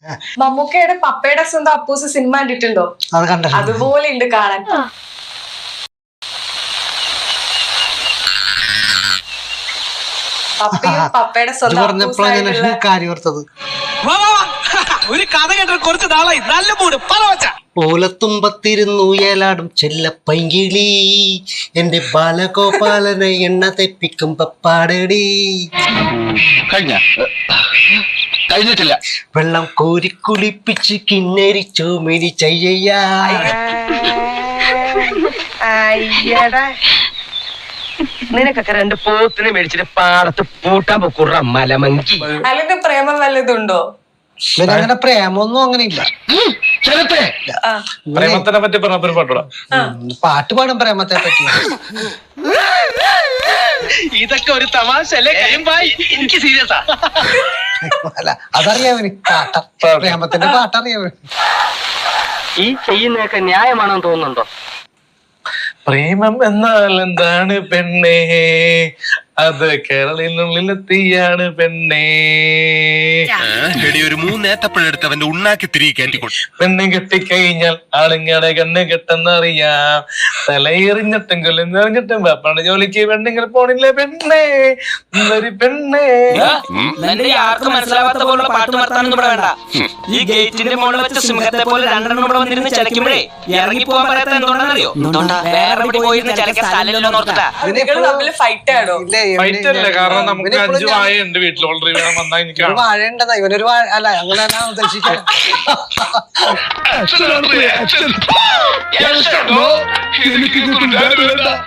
മമ്മൂക്കയുടെ പപ്പയുടെ സ്വന്തം അപ്പൂസ് സിനിമ കണ്ടിട്ടുണ്ടോ? അത് കണ്ടോ? അതുപോലെ ഉണ്ട് കാണാൻ. പപ്പയും പപ്പയുടെ സ്വന്തം കാര്യം ഓർത്തത്. ഒരു കഥ കേട്ട കുറച്ച് നാളായി. നല്ല മൂട് ഓലത്തുമ്പത്തിരുന്നു ഏലാടും ചെല്ലപ്പൈങ്കിളി, എന്റെ ബാലഗോപാലനെ എണ്ണ തെപ്പിക്കും പപ്പാടടി. കഴിഞ്ഞിട്ടില്ല. വെള്ളം കോരി കുളിപ്പിച്ച് കിന്നരിച്ചോ മിനി ചെയ്യ. നിനക്കൊക്കെ 2 പോത്തിനെ മേടിച്ചിട്ട് പാടത്ത് പൂട്ടാൻ പൊക്കുറ മലമങ്കി. അല്ലെങ്കിൽ പ്രേമം വല്ലതുണ്ടോ? അങ്ങനെ പ്രേമൊന്നും അങ്ങനെ ഇല്ല. പ്രേമത്തിനെ പറ്റി പറഞ്ഞ പാട്ടോടാ. പാട്ട് പാടും പ്രേമത്തെ പറ്റി. ഇതൊക്കെ ഒരു തമാശ അല്ലേ? എനിക്ക് സീരിയസാ. അല്ല അതറിയാവന് പാട്ട, പ്രേമത്തിന്റെ പാട്ടറിയാവന്. ഈ ചെയ്യുന്നതൊക്കെ ന്യായമാണെന്ന് തോന്നുന്നുണ്ടോ? പ്രേമം എന്നാൽ എന്താണ് പെണ്ണേ, അത് കേരളത്തിനുള്ളിലെത്തിയാണ് പെണ്ണേ. ഒരു 3 ഏത്തപ്പഴെടുത്ത് അവന്റെ ഉണ്ണാക്കി തിരികെ കയറ്റിക്കൊണ്ടു. പെണ്ണ് കെട്ടിക്കഴിഞ്ഞാൽ ആളുങ്ങളുടെ കണ്ണ് കെട്ടെന്നറിയാം. തലയെറിഞ്ഞിട്ടും കൊല്ലെറിഞ്ഞിട്ടും പാപ്പാണ് ജോലിക്ക് പെണ്ണിങ്ങൾ പോണില്ലേ പെണ്ണേ, ഒരു പെണ്ണേ. ആർക്കും മനസ്സിലാവാത്ത പോലുള്ള പാട്ട് നിർത്താനൊന്നും ഇവിടെ വേണ്ട. ഈ ഗേറ്റിന്റെ മുകളിൽ വെച്ച സിംഹത്തെ പോലെ 2 ഇവിടെ വന്നിരുന്ന് ചലക്കുമ്പോഴേ ഇറങ്ങി പോകാൻ പറയാത്ത എന്തുകൊണ്ടാണെന്നറിയോ? വേറെ എവിടെ പോയിരുന്ന് ചലക്കാൻ സ്ഥലമില്ലോ നോർത്തിട്ടാ. ഫൈറ്റ് ആണോ? ഫൈറ്റ് അല്ലേ, കാരണം നമുക്ക് 5 വാഴയുണ്ട് വീട്ടിൽ. ഓൾറെഡി വന്നാൽ എനിക്ക് വാഴയുണ്ടതാ ഇവനൊരു വാഴ അല്ല അങ്ങനെ ഉദ്ദേശിക്കാം. എനിക്ക്